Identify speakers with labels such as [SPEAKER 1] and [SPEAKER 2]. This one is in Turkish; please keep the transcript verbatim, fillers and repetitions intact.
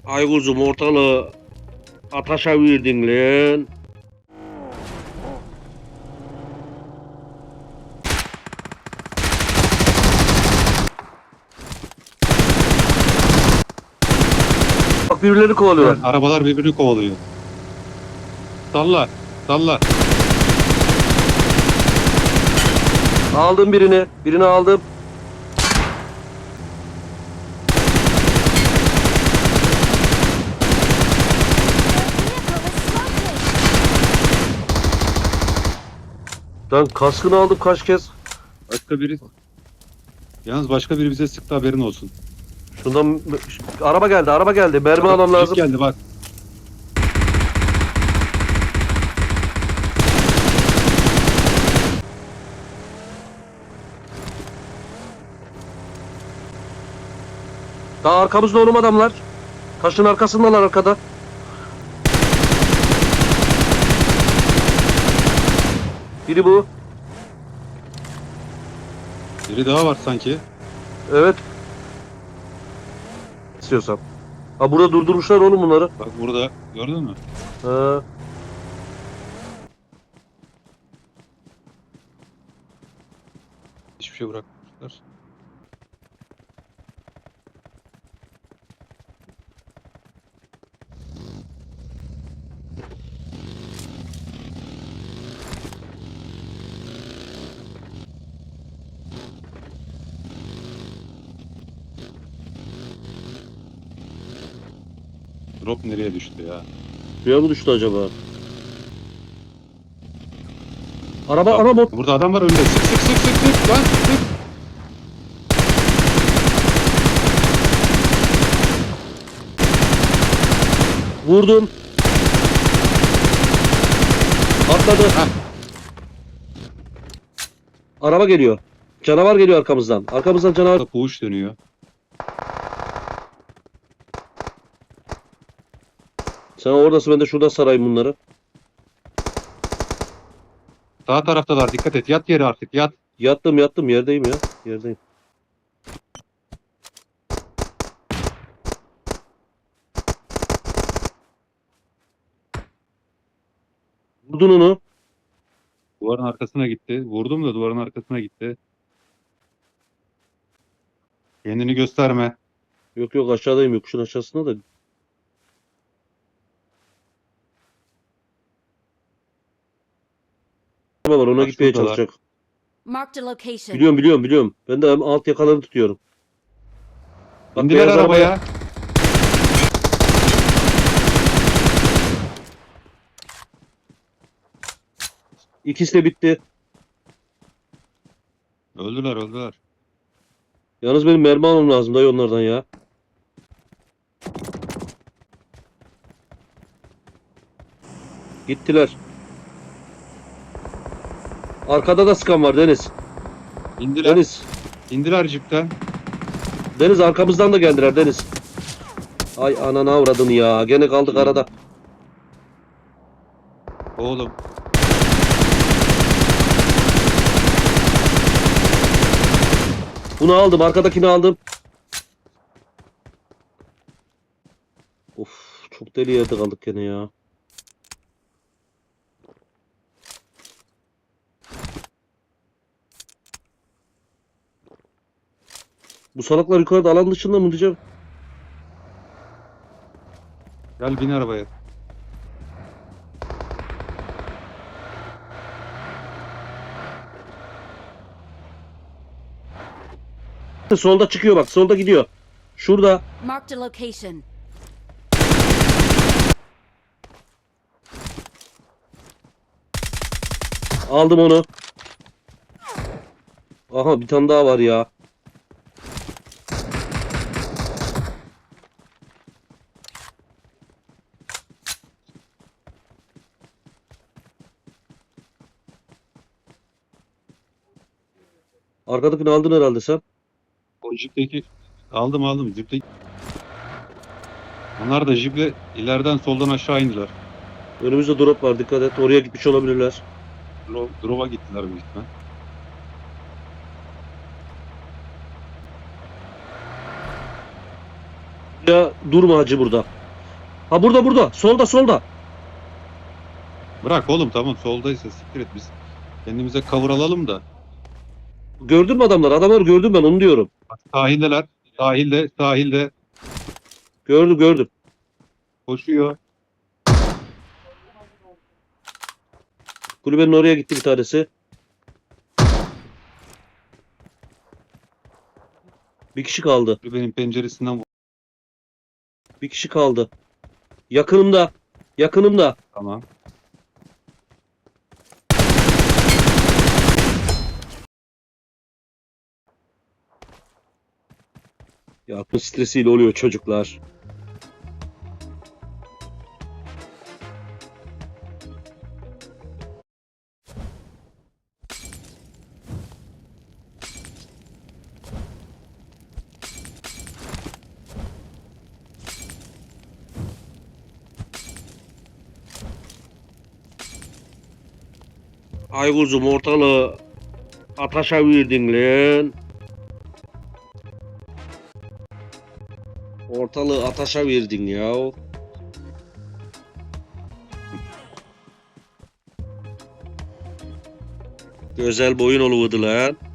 [SPEAKER 1] Ay kuzum ortalığı ataşa verdin lan. Bak birbirlerini kovalıyorlar.
[SPEAKER 2] Evet, arabalar birbirini kovalıyor. Salla, salla.
[SPEAKER 1] Aldım birini. Birini aldım. Lan kaskını aldım kaç kez.
[SPEAKER 2] Başka biri... Yalnız başka biri bize sıktı, haberin olsun.
[SPEAKER 1] Şundan araba geldi, araba geldi. Mermi almam
[SPEAKER 2] Jip
[SPEAKER 1] lazım.
[SPEAKER 2] geldi bak.
[SPEAKER 1] Daha arkamızda oğlum adamlar. Taşın arkasındalar arkada. Biri bu.
[SPEAKER 2] Biri daha var sanki.
[SPEAKER 1] Evet. İstiyorsan. Ha burada durdurmuşlar oğlum bunları.
[SPEAKER 2] Bak burada, gördün mü?
[SPEAKER 1] Ha.
[SPEAKER 2] Hiçbir şey bırakmamışlar. Drop nereye düştü ya?
[SPEAKER 1] Suya mı düştü acaba? Araba,
[SPEAKER 2] Bak,
[SPEAKER 1] araba bot.
[SPEAKER 2] burada adam var önünde. Sık sık sık sık sık lan sık.
[SPEAKER 1] Vurdum. Atladı.
[SPEAKER 2] Heh.
[SPEAKER 1] Araba geliyor. Canavar geliyor arkamızdan. Arkamızdan canavar.
[SPEAKER 2] Burada puğuş dönüyor.
[SPEAKER 1] Sen oradasın, ben de şurada sarayım bunları.
[SPEAKER 2] Sağ taraftalar, dikkat et, yat yere artık, yat.
[SPEAKER 1] Yattım yattım yerdeyim ya. Yerdeyim. Vurdun onu.
[SPEAKER 2] Duvarın arkasına gitti. Vurdum da duvarın arkasına gitti. Kendini gösterme.
[SPEAKER 1] Yok yok aşağıdayım, yokuşun aşağısında da. Araba var, ona
[SPEAKER 2] Bak
[SPEAKER 1] gitmeye
[SPEAKER 2] şuradalar.
[SPEAKER 1] çalışacak.
[SPEAKER 3] Marked a location.
[SPEAKER 1] Biliyorum biliyorum biliyorum. Ben de alt yakalarını tutuyorum. Bak,
[SPEAKER 2] İndiler
[SPEAKER 1] beyaz
[SPEAKER 2] arabaya.
[SPEAKER 1] arabaya. İkisi de bitti.
[SPEAKER 2] Öldüler öldüler.
[SPEAKER 1] Yalnız benim mermi almam lazım dayı onlardan ya. Gittiler. Arkada da sıkan var Deniz.
[SPEAKER 2] İndiler.
[SPEAKER 1] Deniz.
[SPEAKER 2] İndiler cipten.
[SPEAKER 1] Deniz arkamızdan da geldiler Deniz. Ay anana avradın ya. Gene kaldık arada.
[SPEAKER 2] Oğlum.
[SPEAKER 1] Bunu aldım. Arkadakini aldım. Of, çok deli yerde kaldık gene ya. Bu salaklar yukarıda alan dışında mı diyeceğim?
[SPEAKER 2] Gel bin arabaya.
[SPEAKER 1] Solda çıkıyor bak. Solda gidiyor. Şurada.
[SPEAKER 3] Marked a location.
[SPEAKER 1] Aldım onu. Aha bir tane daha var ya. Arkadakini aldın herhalde sen.
[SPEAKER 2] O jipteki aldım aldım jipteki. Onlar da jiple ileriden soldan aşağı indiler.
[SPEAKER 1] Önümüzde drop var. Dikkat et. Oraya gitmiş olabilirler.
[SPEAKER 2] Dro Drop'a gittiler büyük ihtimal.
[SPEAKER 1] Ya durma hacı burada. Ha burada burada. Solda solda.
[SPEAKER 2] Bırak oğlum, tamam, soldaysa siktir et biz. Kendimize cover alalım da.
[SPEAKER 1] Gördün mü adamlar? Adamları gördüm ben onu diyorum.
[SPEAKER 2] Bak, sahildeler. Sahilde, sahilde
[SPEAKER 1] Gördüm gördüm.
[SPEAKER 2] koşuyor.
[SPEAKER 1] Kulübenin oraya gitti bir tanesi. Bir kişi kaldı.
[SPEAKER 2] Benim penceresinden vur-
[SPEAKER 1] Bir kişi kaldı. Yakınımda. Yakınımda.
[SPEAKER 2] Tamam.
[SPEAKER 1] Ya akıl stresiyle oluyor çocuklar. Ay kuzum ortalığı ataşa verdin lan. Ortalığı ataşa verdin ya. Güzel boyun oluverdi lan.